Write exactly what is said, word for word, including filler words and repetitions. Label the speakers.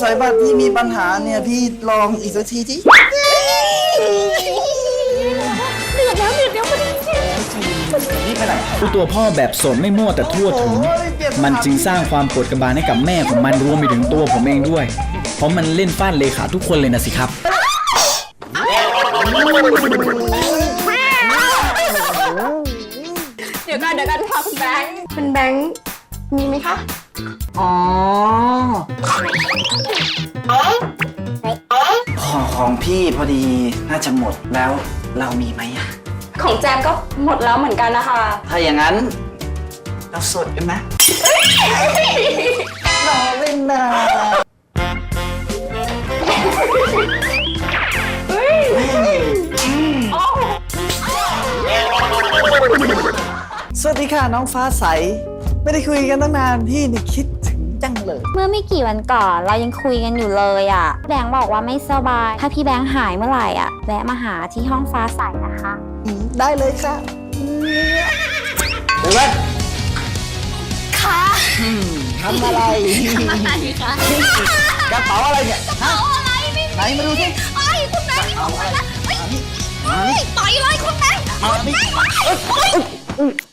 Speaker 1: สัยบัตรพี่มีปัญหาเนี่ยพี่ลองอีกสักทีที่
Speaker 2: เดือดแล้วเดือดแล้วมัน
Speaker 1: นี่ไปไหน
Speaker 3: ตัวพ่อแบบสนไม่มั่วแต่ทั่วถึงมันจึงสร้างความปวดกระบาลให้กับแม่ของมันรวมไปถึงตัวผมเองด้วยเพราะมันเล่นฟาดเลขาทุกคนเลยนะสิครับ
Speaker 2: เดี๋ยวกันเดี๋ยวกันค่ะคุณแบงค์คุณแบงค์มีไหมคะ
Speaker 1: อ๋อของของพี่พอดีน่าจะหมดแล้วเรามีไหมอะ
Speaker 2: ของแจมก็หมดแล้วเหมือนกันนะคะ
Speaker 1: ถ้าอย่างนั้นเราสดกันไหมเราเล่นนะสวัสดีค่ะน้องฟ้าใสไม่ได้คุยกันตั้งนานพี่นี่คิดถึงจังเลย
Speaker 4: เมื่อไม่กี่วันก่อนเรายังคุยกันอยู่เลยอ่ะแบงค์บอกว่าไม่สบายถ้าพี่แบงค์หายเมื่อไหร่อ่ะแวะมาหาที่ห้องฟ้าใสนะคะ
Speaker 1: ได้เลยค่ะเดี๋ยวก่อน
Speaker 4: ค่ะ
Speaker 1: ทำอะไร
Speaker 4: ทำอะไรคะ
Speaker 1: กระเป๋าอะไรเนี่ย
Speaker 4: กระเป๋าอะไรไม่
Speaker 1: ไหนมาดูสิ
Speaker 4: ไอ้คุณแบงค์เอาไปนะไอ้ต่อยเลยคุณแบงค์เอาไป